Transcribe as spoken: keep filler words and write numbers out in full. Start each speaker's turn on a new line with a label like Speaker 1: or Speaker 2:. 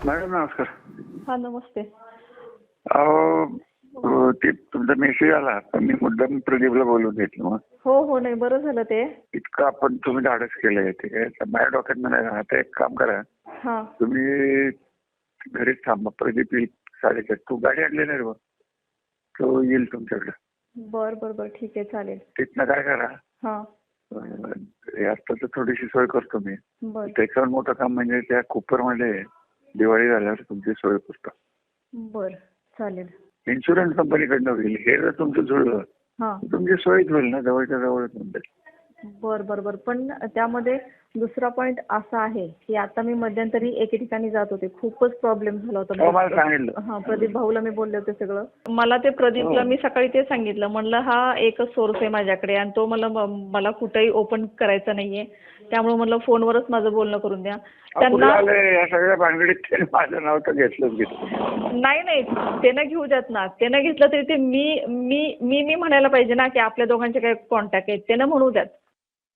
Speaker 1: Madam नमस्कार.
Speaker 2: हा नमस्ते.
Speaker 1: अहो ते तुमचा मेसेज आला पण मी मुद्दाम प्रदीपला बोलून घेतलं. मग
Speaker 2: हो हो नाही बरं झालं ते.
Speaker 1: इतकं आपण तुम्ही धाडस केलंय ते काय माझ्या डोक्यात म्हणायला आता एक काम करा,
Speaker 2: हा
Speaker 1: तुम्ही घरीच थांबा. प्रदीप येईल साडेचार. तू गाडी आणली नाही रे बा, तो येईल तुमच्याकडे.
Speaker 2: बर बर बर ठीक आहे चालेल.
Speaker 1: तिथनं काय करा,
Speaker 2: हा
Speaker 1: आता तर थोडीशी सोय करतो मी.
Speaker 2: बर
Speaker 1: त्याच्यावर मोठं काम म्हणजे त्या कुपरमध्ये दिवाळी झाल्यावर तुमची सोय करतो.
Speaker 2: बर चालेल.
Speaker 1: इन्शुरन्स कंपनीकडनं होईल. हे जर तुमचं जुळलं
Speaker 2: हा
Speaker 1: तुमची सोयच होईल ना, जवळच्या जवळच म्हणजे.
Speaker 2: बर बर बर पण त्यामध्ये दुसरा पॉइंट असा आहे की आता मी मध्यंतरी एके ठिकाणी जात होते, खूपच प्रॉब्लेम झाला
Speaker 1: हो, मला
Speaker 2: होता.
Speaker 1: सांगितलं.
Speaker 2: हा प्रदीप भाऊला मी बोलले होते सगळं. मला ते प्रदीपला मी सकाळी ते सांगितलं, म्हणलं हा एकच सोर्स आहे माझ्याकडे आणि तो मला मला कुठेही ओपन करायचा नाहीये, त्यामुळे म्हणलं फोनवरच माझं बोलणं करून द्या.
Speaker 1: त्यांना या सगळ्या भानगडीत त्याने माझं नाव तर घेतलंच घेतलं.
Speaker 2: नाही नाही ते न घेऊ द्यात ना. ते न घेतलं तरी ते मी मी मी मी म्हणायला पाहिजे ना की आपल्या दोघांचे काही कॉन्टॅक्ट आहेत, ते न म्हणू द्यात.